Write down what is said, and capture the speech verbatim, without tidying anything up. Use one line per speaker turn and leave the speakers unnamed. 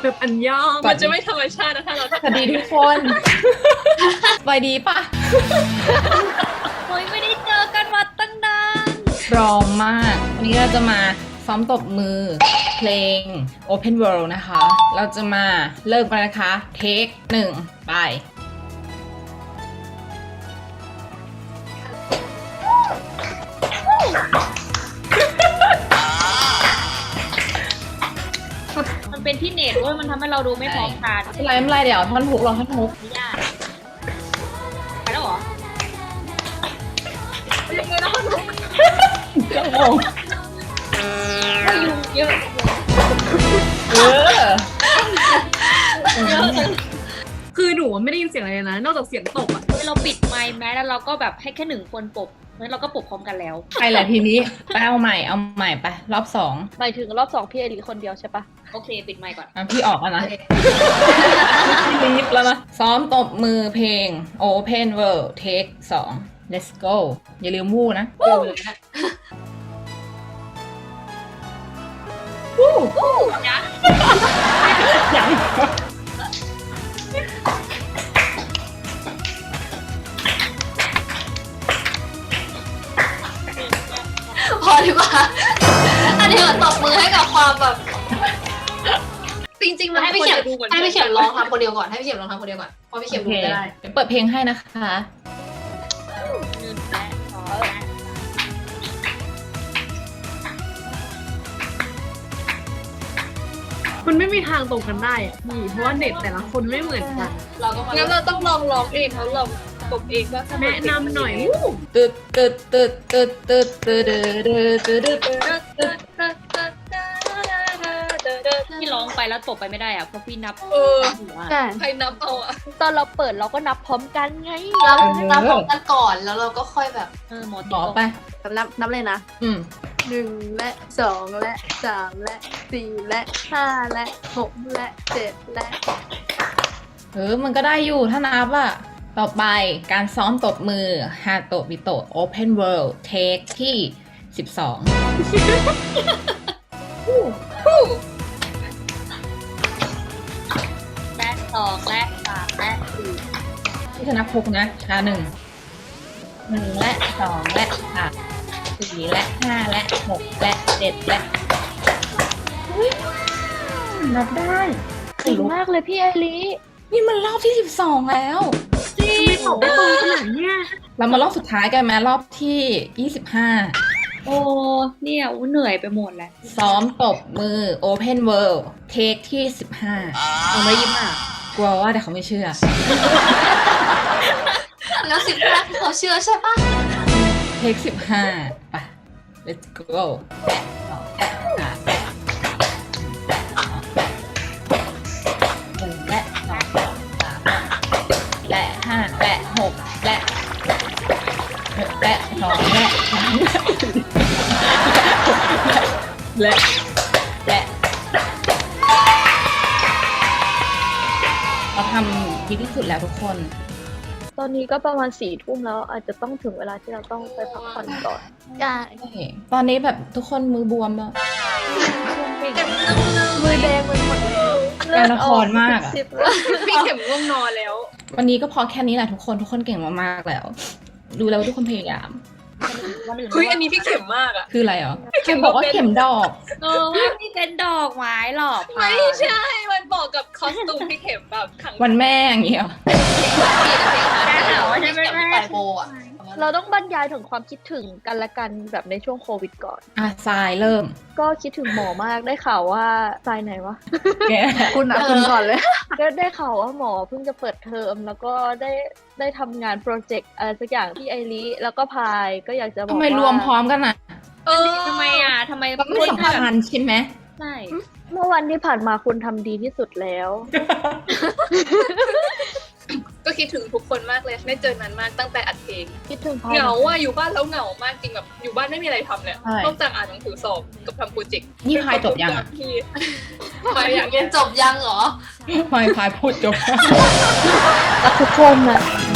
แบบอันยอง
มันจะไม่ธรรมชาตินะถ้าเรา
สวัสดีทุกคนสบายดีปะ
เฮ้ยไม่ได้เจอกันมาตั้งนาน
พร้อมมาก วันนี้เราจะมาซ้อมตบมือเพลง Open World นะคะ เราจะมาเริ่มกันนะคะ เทคหนึ่งไป
มันเป็นที่เน็ตเว้ยมันทำให้เราดูไม่พร้อมกัน
ไม่เป็นไรไม่เป็นไรเดี๋ยวท่อนฮุกรอท่อนฮุก
ไม่ยากไปแล้วเหรอ
ยังไงนะคุณ
ก็งง
ก็ยุงเยอะ
เออ
เยอะเลย
คือหนูไม่ได้ยินเสียงอะไรเลยนะ นอกจากเสียงตบอ่ะ
เฮ้ยเราปิดไมค์แม้แล้วเราก็แบบให้แค่หนึ่งคนปบงั้นเราก็ปบพร้อมกันแล้ว
ไปแหละทีนี้ไปเอาใหม่เอาใหม่ไปรอบสอง
หมายถึงรอบสองพี่ไอรีคนเดียวใช่ปะ
โอเคปิดไมค์ก่อน
อ่ะพี่ออกแล้วนะพี่รีบแล้วนะ ซ้อมตบมือเพลง Open World Take สอง Let's go อย่าลืมวู้นะ
เจอเลยนะ
ยัง
พอดีกว่าอันนี้ตบมือให้กับความแบบจริงๆมันให้พี่เขียนให้พี่เขียนร้องทำคนเดียวก่อนให้พี่เขียนร้องทำคนเดียวก่อนเพราะพี่เขียนรู้ไม่ได้
เดี๋ยวเปิดเพลงให้นะคะ
หนึ่งและสองและ
มันไม่มีทางตรงกันได้อ่ะพี่เพราะว่าเน็ตแต่ละคนไม่เหมือนกัน
เราก็มางั้นเราต้องลองร้องเองแล้วลองตบเองว่า
แนะนำหน่อย
ตึ๊ดตึ๊ดตึ๊ดตึ๊ดตึ๊ดตึ๊ดตึ๊ดตึ๊ดตึ๊ดตึ๊ด
ที่ร้องไปแล้วตบไปไม่ได้อะเพราะพี่นับ
เออ
หัว
ใช่
ใครนับเอาอะ
ตอนเราเปิดเราก็นับพร้อมกันไง
นับนับพร้อมกันก่อนแล้วเราก็ค่อยแบบ
เออหมอ
ต่อไป
นับนับเลยนะ
อืม
หนึ่งและสองและสามและสี่และห้าและหกและเจ็ดและ
เออ มันก็ได้อยู่ถ้านับอ่ะ ต่อไปการซ้อมตบมือฮาโตะบิโตะ Open World Take ที่สิบสอง
และสองและสามและสี่
ที่ชนะพกนะชาหนึ่งหนึ่งและสองและสามสี่และห้าและหกและเจ็ดและอุ๊ยนับได้
เก่งมากเลยพี่ไอรี
นี่มันรอบที่สิบสองแล้ว
ทำไมตบได้ตรงขนาดเนี้ย
เรามารอบสุดท้ายกันไหมรอบที่ยี่สิบห้า
โอ้เนี่ยอู้เหนื่อยไปหมดแล้ว
ซ้อมตบมือ Open World Take ที่สิบห้า
เอาไม่ยิ้มอ่ะ
กลัวว่าแต่เขาไม่เชื่อ
แล้วสิบห้าเขาเชื่อใช่ปะ
Take สิบห้าไป let's go แปะสองแปะสามแปะหนึ่งและสองสามและห้าและหกและหกและสองและสามและและเราทำดีที่สุดแล้วทุกคน
ตอนนี้ก็ประมาณสี่ทุ่มแล้วอาจจะต้องถึงเวลาที่เราต้องไปพักผ่อนก่อน
ใช่
ตอนนี้แบบทุกคนมือบวมแล้ว
มือแดงมันหมดเลย
การละครมากอะ
สิบแล้ว
พี่เข็มง่วงนอนแล้ว
วันนี้ก็พอแค่นี้แหละทุกคนทุกคนเก่งมากๆแล้ว ดูแล้วทุกคนพยายาม
วันอื่น
เฮ้ยอันนี้พี่เข็มมากอะ
คืออะไรเหรอเข็มบอกว่าเข็มดอก
เออว่านี่เป็นดอกไม้หรอก
ไม่ใช่มันบอกกับคอสตูมพี่เข็มแบบขัง
วันแม่อย่างเงี้ยเหรอ
แค่หาว่าใช่ไหมแม่โบอะ
เราต้องบรรยายถึงความคิดถึงกันและกันแบบในช่วงโควิดก่อน
อ่ะทรายเริ่ม
ก็คิดถึงหมอมากได้ข่าวว่าทรายไหนวะ
แก
คุณอ่ะคุณก่อนเลย ก็ได้ข่าวว่าหมอเพิ่งจะเปิดเทอมแล้วก็ได้ได้ทำงานโปรเจกต์อะไรสักอย่างที่ไอริแล้วก็พายก็อยากจะบอก
ทำ
ว่า
ไมรวมพร้อมกันอ่ะ
เออ
ทำไมอ่ะทำไม
มันไม่สำคัญใช่ไหม
ใช่
เมื่อวันที่ผ่านมาคุณทำดีที่สุดแล้ว
ก็คิดถึงทุกคนมากเลยไม่เจอนานมากตั้งแต่อัดเพลง
คิดถึงพาย
เหงาอ่ะอยู่บ้านแล้วเหงามากจริงแบบอยู่บ้านไม่มีอะไรทำเลย
ใช่
นอกจากอ่านหนังสือสอบกับทำโปรเจกต์
นี่พายจบยังอ่ะ
พี่พายอยากเรียนจบยังเหรอ
พายพายพูดจบ
รักทุกคนนะ